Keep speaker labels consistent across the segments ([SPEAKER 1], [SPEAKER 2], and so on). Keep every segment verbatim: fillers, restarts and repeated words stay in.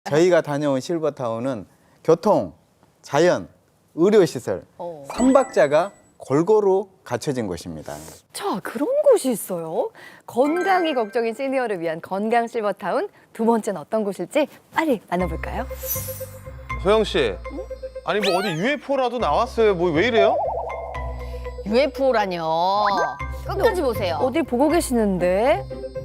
[SPEAKER 1] 저희가 다녀온 실버타운은 교통, 자연, 의료시설,
[SPEAKER 2] 어.
[SPEAKER 1] 삼박자가 골고루 갖춰진 곳입니다.
[SPEAKER 2] 자, 그런 곳이 있어요. 건강이 걱정인 시니어를 위한 건강 실버타운. 두 번째는 어떤 곳일지 빨리 만나볼까요?
[SPEAKER 3] 소영 씨, 아니 뭐 어디 유에프오라도 나왔어요? 뭐 왜 이래요?
[SPEAKER 4] 유에프오라뇨. 끝까지 보세요.
[SPEAKER 2] 어딜 보고 계시는데?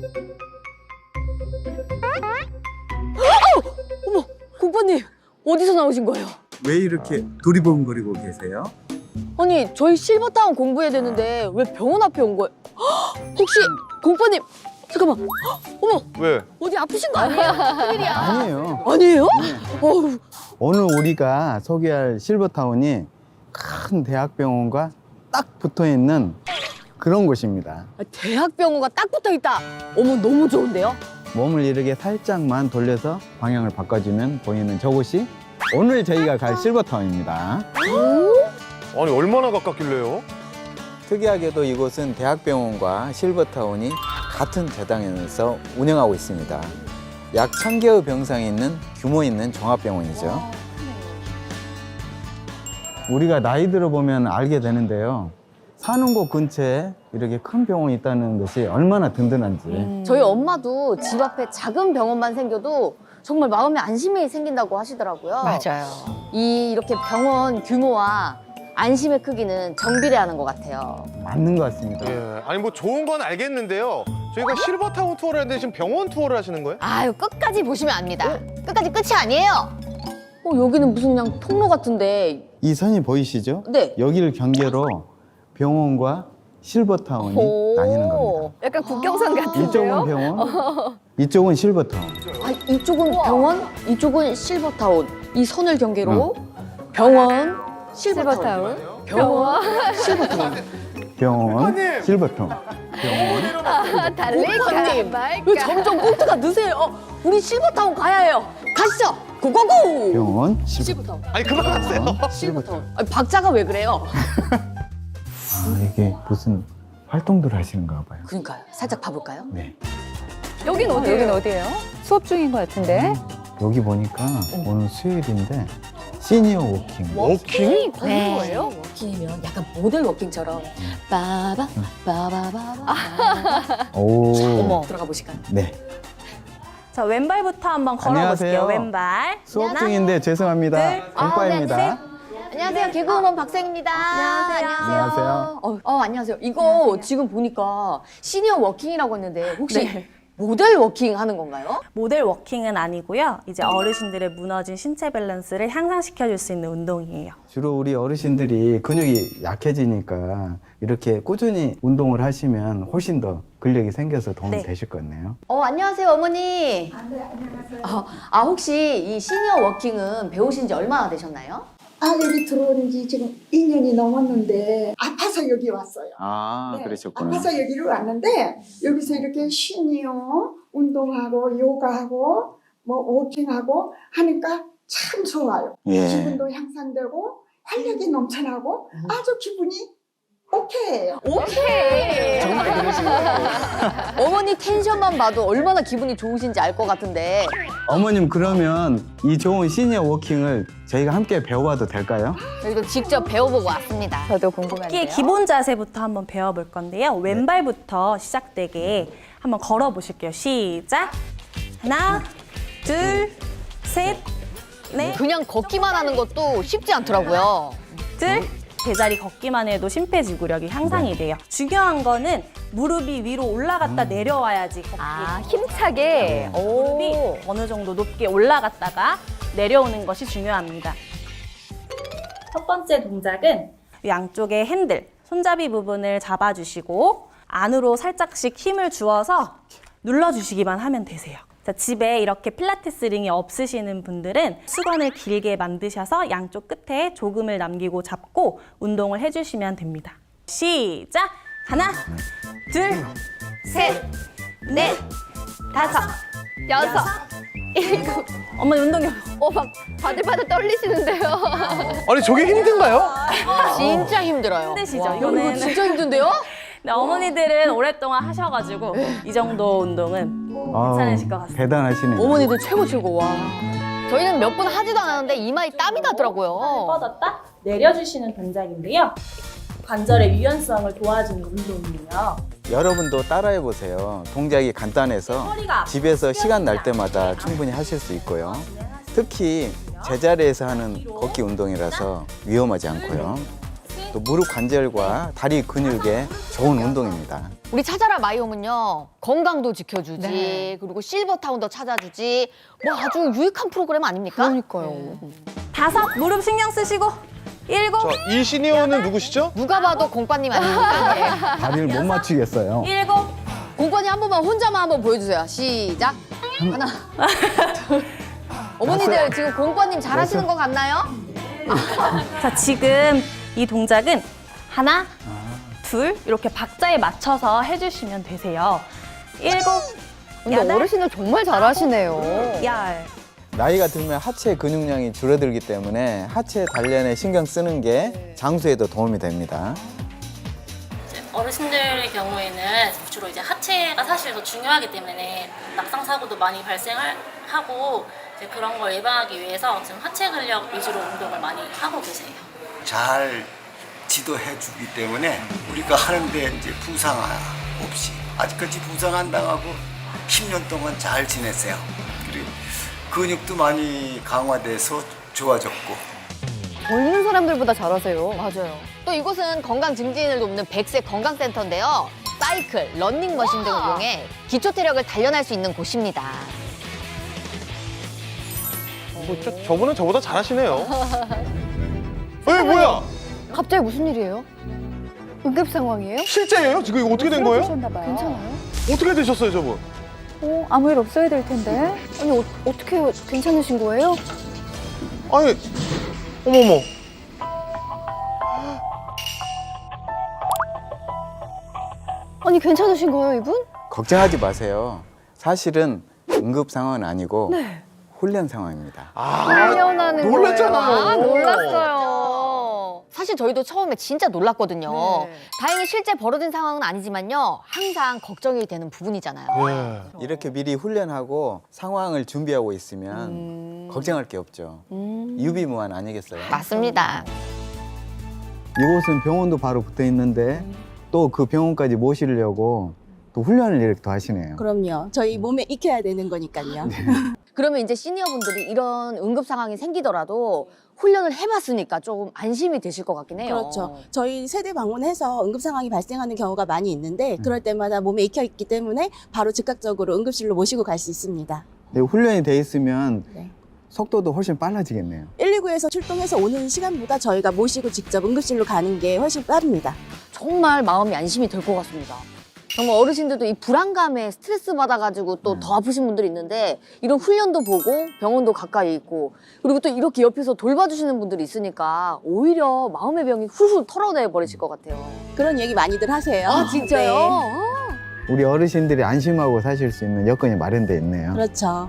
[SPEAKER 4] 공파님, 어디서 나오신 거예요?
[SPEAKER 1] 왜 이렇게 두리번거리고 계세요?
[SPEAKER 4] 아니, 저희 실버타운 공부해야 되는데 왜 병원 앞에 온 거예요? 헉, 혹시 공파님, 잠깐만. 헉, 어머,
[SPEAKER 3] 왜?
[SPEAKER 4] 어디 아프신 거 아니에요? 큰일이야.
[SPEAKER 1] 아니에요.
[SPEAKER 4] 아니에요? 어우,
[SPEAKER 1] 오늘 우리가 소개할 실버타운이 큰 대학병원과 딱 붙어있는 그런 곳입니다.
[SPEAKER 4] 대학병원가 딱 붙어 있다. 어머, 너무 좋은데요?
[SPEAKER 1] 몸을 이렇게 살짝만 돌려서 방향을 바꿔주면 보이는 저곳이 오늘 저희가 갈 실버타운입니다.
[SPEAKER 3] 아니 얼마나 가깝길래요?
[SPEAKER 1] 특이하게도 이곳은 대학병원과 실버타운이 같은 재단에서 운영하고 있습니다. 약 천 개의 병상이 있는 규모 있는 종합병원이죠. 우리가 나이 들어보면 알게 되는데요. 사는 곳 근처에 이렇게 큰 병원이 있다는 것이 얼마나 든든한지.
[SPEAKER 4] 저희 엄마도 집 앞에 작은 병원만 생겨도 정말 마음에 안심이 생긴다고 하시더라고요.
[SPEAKER 2] 맞아요.
[SPEAKER 4] 이 이렇게 병원 규모와 안심의 크기는 정비례하는 것 같아요.
[SPEAKER 1] 맞는 것 같습니다.
[SPEAKER 3] 예. 아니 뭐 좋은 건 알겠는데요. 저희가 실버타운 투어를 했는데 지금 병원 투어를 하시는 거예요?
[SPEAKER 4] 아유, 끝까지 보시면 압니다. 끝까지 끝이 아니에요. 어, 여기는 무슨 그냥 통로 같은데.
[SPEAKER 1] 이 선이 보이시죠?
[SPEAKER 4] 네.
[SPEAKER 1] 여기를 경계로 병원과 실버타운이 나뉘는 겁니다.
[SPEAKER 2] 약간 국경선 같은데요?
[SPEAKER 1] 이쪽은 병원, 이쪽은 실버타운.
[SPEAKER 4] 아, 이쪽은 병원, 이쪽은 실버타운. 이 선을 경계로 병원, 실버타운.
[SPEAKER 2] 실버타운.
[SPEAKER 4] 병원, 실버타운.
[SPEAKER 1] 병원, 실버타운. 병원.
[SPEAKER 2] 아, 달릴까
[SPEAKER 4] 공파님,
[SPEAKER 2] 말까.
[SPEAKER 4] 왜 점점 꼭지가 느세요? 어, 우리 실버타운 가야 해요. 가시죠. 고고고.
[SPEAKER 1] 병원, 실버타운.
[SPEAKER 4] 실버타운.
[SPEAKER 3] 아니 그만하세요.
[SPEAKER 4] 실버타운. 아니, 박자가 왜 그래요?
[SPEAKER 1] 아, 이게 무슨 활동들을 하시는가 봐요.
[SPEAKER 4] 그러니까요. 살짝 봐볼까요?
[SPEAKER 1] 네.
[SPEAKER 2] 여긴 어디예요? 여긴 어디예요? 수업 중인 것 같은데.
[SPEAKER 1] 여기 보니까 오늘 수요일인데 시니어 워킹.
[SPEAKER 3] 워킹?
[SPEAKER 2] 네.
[SPEAKER 4] 거예요? 워킹이면 약간 모델 워킹처럼 빠바 빠바바바.
[SPEAKER 1] 오.
[SPEAKER 4] 어머, 들어가 보실까요?
[SPEAKER 1] 네.
[SPEAKER 5] 자, 왼발부터 한번
[SPEAKER 1] 안녕하세요.
[SPEAKER 5] 걸어볼게요. 왼발.
[SPEAKER 1] 수업
[SPEAKER 5] 하나,
[SPEAKER 1] 중인데 죄송합니다.
[SPEAKER 5] 둘,
[SPEAKER 1] 공과입니다.
[SPEAKER 4] 아, 네, 안녕하세요. 개그우먼 박생입니다.
[SPEAKER 5] 안녕하세요.
[SPEAKER 1] 안녕하세요.
[SPEAKER 4] 어, 어, 안녕하세요. 이거 지금 보니까 시니어 워킹이라고 했는데 혹시 모델 워킹 하는 건가요?
[SPEAKER 5] 모델 워킹은 아니고요. 이제 어르신들의 무너진 신체 밸런스를 향상시켜줄 수 있는 운동이에요.
[SPEAKER 1] 주로 우리 어르신들이 근육이 약해지니까 이렇게 꾸준히 운동을 하시면 훨씬 더 근력이 생겨서 도움이
[SPEAKER 5] 네.
[SPEAKER 1] 되실 것 같네요.
[SPEAKER 4] 어, 안녕하세요, 어머니. 아, 네, 안녕하세요. 어, 아, 혹시 이 시니어 워킹은 배우신 지 얼마나 되셨나요?
[SPEAKER 6] 아, 여기 들어온 지 지금 이 년이 넘었는데 아파서 여기 왔어요.
[SPEAKER 1] 아,
[SPEAKER 6] 네,
[SPEAKER 1] 그러셨구나.
[SPEAKER 6] 아파서 여기로 왔는데 여기서 이렇게 시니어 운동하고 요가하고 뭐 워킹하고 하니까 참 좋아요.
[SPEAKER 1] 예.
[SPEAKER 6] 기분도 향상되고 활력이 넘쳐나고 아주 기분이 오케이예요.
[SPEAKER 4] 오케이.
[SPEAKER 1] 정말 그러시네요.
[SPEAKER 4] 어머니 텐션만 봐도 얼마나 기분이 좋으신지 알 것 같은데.
[SPEAKER 1] 어머님 그러면 이 좋은 시니어 워킹을 저희가 함께 배워봐도 될까요?
[SPEAKER 4] 저희도 직접 배워보고 왔습니다.
[SPEAKER 2] 저도 궁금한데요.
[SPEAKER 5] 토끼의 기본 자세부터 한번 배워볼 건데요. 왼발부터 시작되게 한번 걸어보실게요. 시작. 하나, 둘, 셋, 넷,
[SPEAKER 4] 그냥 걷기만 하는 것도 쉽지 않더라고요.
[SPEAKER 5] 둘. 제자리 걷기만 해도 심폐지구력이 향상이 돼요. 중요한 거는 무릎이 위로 올라갔다 내려와야지 걷기.
[SPEAKER 2] 아, 힘차게.
[SPEAKER 5] 무릎이
[SPEAKER 2] 오.
[SPEAKER 5] 어느 정도 높게 올라갔다가 내려오는 것이 중요합니다. 첫 번째 동작은 양쪽의 핸들, 손잡이 부분을 잡아주시고 안으로 살짝씩 힘을 주어서 눌러주시기만 하면 되세요. 자, 집에 이렇게 필라테스 링이 없으시는 분들은 수건을 길게 만드셔서 양쪽 끝에 조금을 남기고 잡고 운동을 해주시면 됩니다. 시작! 하나, 둘, 셋, 넷, 다섯,
[SPEAKER 2] 여섯. 일곱.
[SPEAKER 5] 어머니 운동이
[SPEAKER 2] 어, 막 바들바들 떨리시는데요.
[SPEAKER 3] 아니 저게 힘든가요?
[SPEAKER 4] 진짜 힘들어요.
[SPEAKER 5] 힘드시죠?
[SPEAKER 4] 와,
[SPEAKER 5] 이거는.
[SPEAKER 4] 이거 진짜 힘든데요?
[SPEAKER 5] 네, 어머니들은 오랫동안 하셔가지고 이 정도 운동은
[SPEAKER 1] 아우,
[SPEAKER 5] 괜찮으실 것 같습니다.
[SPEAKER 1] 대단하시네요.
[SPEAKER 4] 어머니들 최고 최고 와.
[SPEAKER 2] 저희는 몇 번 하지도 않았는데 이마에 땀이 나더라고요.
[SPEAKER 5] 뻗었다 내려주시는 동작인데요. 관절의 유연성을 도와주는 운동이에요.
[SPEAKER 1] 여러분도 따라해 보세요. 동작이 간단해서
[SPEAKER 5] 허리가
[SPEAKER 1] 집에서 시간 날 때마다 충분히 하실 수 있고요. 특히 제자리에서 하는 걷기 운동이라서 위험하지 않고요. 또 무릎 관절과 다리 근육에 좋은 운동입니다.
[SPEAKER 2] 우리 찾아라 마이홈은요 건강도 지켜주지
[SPEAKER 4] 네.
[SPEAKER 2] 그리고 실버타운도 찾아주지 뭐 아주 유익한 프로그램 아닙니까?
[SPEAKER 4] 그러니까요.
[SPEAKER 5] 다섯 무릎 신경 쓰시고 일곱
[SPEAKER 3] 자, 이 시니어는 누구시죠?
[SPEAKER 2] 누가 봐도 공빠님 아닙니까? 예.
[SPEAKER 7] 다리를 못 맞추겠어요.
[SPEAKER 5] 일곱
[SPEAKER 4] 공권이 한 번만 혼자만 한번 보여주세요. 시작. 하나, 둘.
[SPEAKER 2] 어머니들 지금 공빠님 잘하시는 것 같나요?
[SPEAKER 5] 자, 지금 이 동작은 하나, 둘 이렇게 박자에 맞춰서 해주시면 되세요. 일곱,
[SPEAKER 2] 근데
[SPEAKER 5] 여덟,
[SPEAKER 2] 어르신들 정말 잘하시네요.
[SPEAKER 5] 열.
[SPEAKER 1] 나이가 들면 하체 근육량이 줄어들기 때문에 하체 단련에 신경 쓰는 게 장수에도 도움이 됩니다.
[SPEAKER 8] 어르신들의 경우에는 주로 이제 하체가 사실 더 중요하기 때문에 낙상 사고도 많이 발생하고 이제 그런 걸 예방하기 위해서 지금 하체 근력 위주로 운동을 많이 하고 계세요.
[SPEAKER 9] 잘 지도해 주기 때문에 우리가 하는데 이제 부상 없이 아직까지 부상 안 당하고 십 년 동안 잘 지냈어요. 그리고 근육도 많이 강화돼서 좋아졌고.
[SPEAKER 2] 젊은 사람들보다 잘하세요.
[SPEAKER 4] 맞아요.
[SPEAKER 2] 또 이곳은 건강 증진을 돕는 백세 건강센터인데요. 사이클, 런닝머신 등을 이용해 기초 체력을 단련할 수 있는 곳입니다.
[SPEAKER 3] 뭐, 저, 저분은 저보다 잘하시네요. 에 뭐야?
[SPEAKER 2] 갑자기 무슨 일이에요? 응급 상황이에요?
[SPEAKER 3] 실제예요? 지금 이거 어떻게 된 거예요?
[SPEAKER 2] 괜찮아요?
[SPEAKER 3] 어떻게 되셨어요, 저분?
[SPEAKER 10] 어, 아무 일 없어야 될 텐데.
[SPEAKER 2] 아니 어, 어떻게 괜찮으신 거예요?
[SPEAKER 3] 아니, 어머머.
[SPEAKER 2] 아니 괜찮으신 거예요 이분?
[SPEAKER 1] 걱정하지 마세요. 사실은 응급 상황은 아니고 훈련 상황입니다.
[SPEAKER 3] 아,
[SPEAKER 2] 훈련하는
[SPEAKER 3] 놀랐잖아요.
[SPEAKER 2] 거예요. 아, 놀랐어요. 사실 저희도 처음에 진짜 놀랐거든요.
[SPEAKER 4] 네.
[SPEAKER 2] 다행히 실제 벌어진 상황은 아니지만요. 항상 걱정이 되는 부분이잖아요.
[SPEAKER 3] 예.
[SPEAKER 1] 이렇게 미리 훈련하고 상황을 준비하고 있으면 걱정할 게 없죠. 유비무환 아니겠어요?
[SPEAKER 2] 맞습니다.
[SPEAKER 7] 이곳은 병원도 바로 붙어 있는데 또 그 병원까지 모시려고 또 훈련을 이렇게 또 하시네요.
[SPEAKER 10] 그럼요. 저희 몸에 익혀야 되는 거니까요.
[SPEAKER 2] 그러면 이제 시니어분들이 이런 응급 상황이 생기더라도 훈련을 해봤으니까 조금 안심이 되실 것 같긴 해요.
[SPEAKER 10] 그렇죠. 저희 세대 방문해서 응급 상황이 발생하는 경우가 많이 있는데 그럴 때마다 몸에 익혀 있기 때문에 바로 즉각적으로 응급실로 모시고 갈 수 있습니다.
[SPEAKER 7] 네, 훈련이 돼 있으면
[SPEAKER 10] 네.
[SPEAKER 7] 속도도 훨씬 빨라지겠네요.
[SPEAKER 10] 일이구에서 출동해서 오는 시간보다 저희가 모시고 직접 응급실로 가는 게 훨씬 빠릅니다.
[SPEAKER 2] 정말 마음이 안심이 될 것 같습니다. 정말 어르신들도 이 불안감에 스트레스 받아가지고 또 더 아프신 분들이 있는데 이런 훈련도 보고 병원도 가까이 있고 그리고 또 이렇게 옆에서 돌봐주시는 분들이 있으니까 오히려 마음의 병이 훌훌 털어내 버리실 것 같아요.
[SPEAKER 10] 그런 얘기 많이들 하세요.
[SPEAKER 2] 아 진짜요?
[SPEAKER 10] 네.
[SPEAKER 2] 아.
[SPEAKER 7] 우리 어르신들이 안심하고 사실 수 있는 여건이 마련돼 있네요.
[SPEAKER 10] 그렇죠.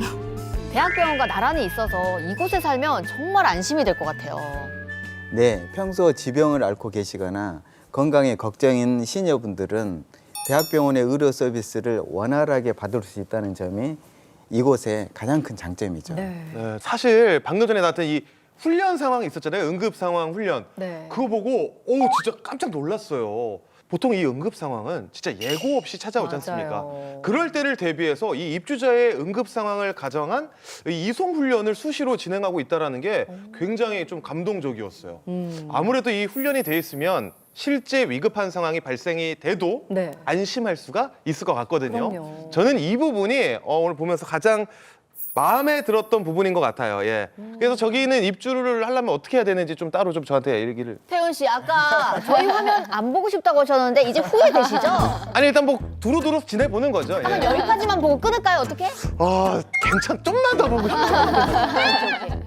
[SPEAKER 2] 대학병원과 나란히 있어서 이곳에 살면 정말 안심이 될 것 같아요.
[SPEAKER 1] 네, 평소 지병을 앓고 계시거나 건강에 걱정인 시니어분들은 대학병원의 의료 서비스를 원활하게 받을 수 있다는 점이 이곳의 가장 큰 장점이죠.
[SPEAKER 2] 네.
[SPEAKER 3] 네, 사실 방금 전에 나왔던 이 훈련 상황이 있었잖아요. 응급 상황 훈련.
[SPEAKER 2] 네.
[SPEAKER 3] 그거 보고 오 진짜 깜짝 놀랐어요. 보통 이 응급 상황은 진짜 예고 없이 찾아오지 않습니까?
[SPEAKER 2] 맞아요.
[SPEAKER 3] 그럴 때를 대비해서 이 입주자의 응급 상황을 가정한 이 이송 훈련을 수시로 진행하고 있다는 게 굉장히 좀 감동적이었어요.
[SPEAKER 2] 음.
[SPEAKER 3] 아무래도 이 훈련이 돼 있으면 실제 위급한 상황이 발생이 돼도
[SPEAKER 2] 네.
[SPEAKER 3] 안심할 수가 있을 것 같거든요.
[SPEAKER 2] 그럼요.
[SPEAKER 3] 저는 이 부분이 어, 오늘 보면서 가장 마음에 들었던 부분인 것 같아요. 예. 그래서 저기는 입주를 하려면 어떻게 해야 되는지 좀 따로 좀 저한테 얘기를.
[SPEAKER 2] 태훈 씨 아까 저희 화면 안 보고 싶다고 하셨는데 이제 후회되시죠?
[SPEAKER 3] 아니 일단 뭐 두루두루 지내보는 거죠.
[SPEAKER 2] 한번
[SPEAKER 3] 예.
[SPEAKER 2] 여기까지만 보고 끊을까요? 어떻게?
[SPEAKER 3] 아 괜찮. 좀만 더 보고 싶어요.
[SPEAKER 2] 오케이, 오케이.